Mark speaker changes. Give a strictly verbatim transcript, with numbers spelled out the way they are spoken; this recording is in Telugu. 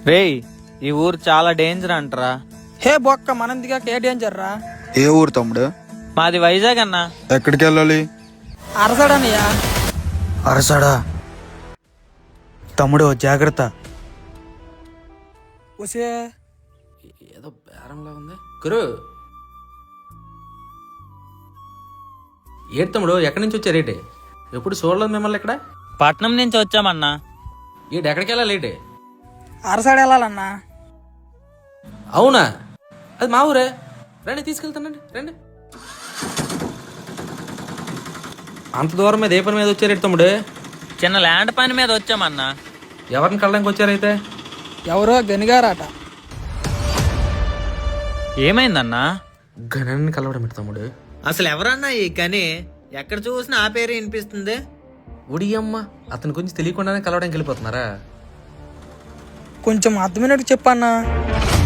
Speaker 1: రేయ్, ఈ ఊరు చాలా డేంజర్ అంటరా.
Speaker 2: హే బొక్క మనందిగా కే డేంజర్ రా.
Speaker 3: ఏ ఊరు తమ్ముడు?
Speaker 1: మాది వైజాగ్ అన్నా.
Speaker 3: ఎక్కడికి వెళ్ళాలి?
Speaker 2: అరసడనయ్యా.
Speaker 3: అరసాడా? తమ్ముడు జాగ్రత్త.
Speaker 2: ఒసే
Speaker 4: ఏదో బేరంలా ఉంది గురు. ఏడు తమ్ముడు ఎక్కడి నుంచి వచ్చారేటి? ఎప్పుడు చూడలేదు మిమ్మల్ని ఇక్కడ.
Speaker 1: పట్నం నుంచి వచ్చామన్నా.
Speaker 4: ఏడు ఎక్కడికి వెళ్ళాలేటి?
Speaker 2: అరసడ వెళ్ళాలన్నా.
Speaker 4: అవునా? అది మా ఊరే. రండి తీసుకెళ్తానండి, రండి. అంత దూరం మీద ఏ పని మీద వచ్చారేటి తమ్ముడు?
Speaker 1: చిన్న ల్యాండ్ పని మీద వచ్చామన్నా.
Speaker 4: ఎవరిని కళ్ళడానికి వచ్చారైతే?
Speaker 2: ఎవరో గనిగారాట.
Speaker 1: ఏమైందన్నా?
Speaker 4: గణాన్ని కలవడం ఏంటి తమ్ముడు?
Speaker 1: అసలు ఎవరన్నా ఈ కని? ఎక్కడ చూసినా ఆ పేరు వినిపిస్తుంది.
Speaker 4: ఉడియమ్మ, అతని గురించి తెలియకుండానే కలవడానికి వెళ్ళిపోతున్నారా?
Speaker 2: కొంచెం అర్థమైనట్టు చెప్పన్నా.